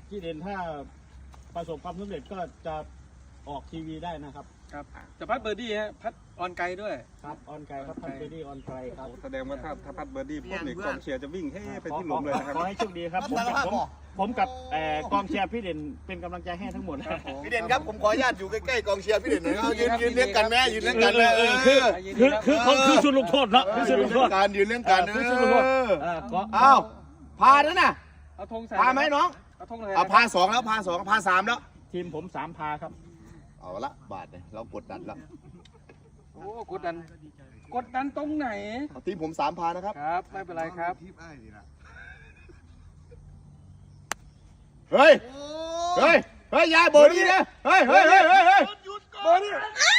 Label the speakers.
Speaker 1: พี่เด่นถ้าประสบความสำเร็จก็จะออกทีวีได้นะครับ
Speaker 2: ครับจะพัดเบอร์ดี้ฮะพัดออนไกลด้วย
Speaker 1: ครับออนไกลครับพันเบอร์ดี้ออนไกลครับ
Speaker 3: แสดงว่าถ้าพัดเบอร์ดี้พวกนี้กองเชียร์จะวิ่งให้ไปที่หลุมเลยนะครับ
Speaker 1: ขอให้โชคดีครับผมกับกองเชียร์พี่เด่นเป็นกำลังใจให้ทั้งหมดครับ
Speaker 4: พี่เด่นครับผมขออนุญาตอยู่ใกล้ๆกองเชียร์พี่เด่นหน่อยเอายืนเลี้ยงกันแม่ยืนเลี้ยงกันเลย
Speaker 1: คือชุดลูกโทษเนาะคือชุดลูกโทษ
Speaker 4: การยืนเลี้ยงกัน
Speaker 1: คือชุดลูกโทษ
Speaker 4: อ้าวพาแล้วนะ
Speaker 2: เอาธงใส่
Speaker 4: พาไหมน้อง
Speaker 2: เอาธงเลย
Speaker 4: เอาพาสองแล้วพาสองพาสามแล้ว
Speaker 1: ทีมผม3 พาครับ
Speaker 4: เอาละบาทเนี่ยเรากดดันแล้ว
Speaker 2: โอ้กดดันตรงไหน
Speaker 4: เอาทีมผม3 พานะครับ
Speaker 2: ครับไม่เป็นไรครับ
Speaker 4: เฮ้ยยายเบอร์ดี้นะเฮ้ยเบอร์ดี้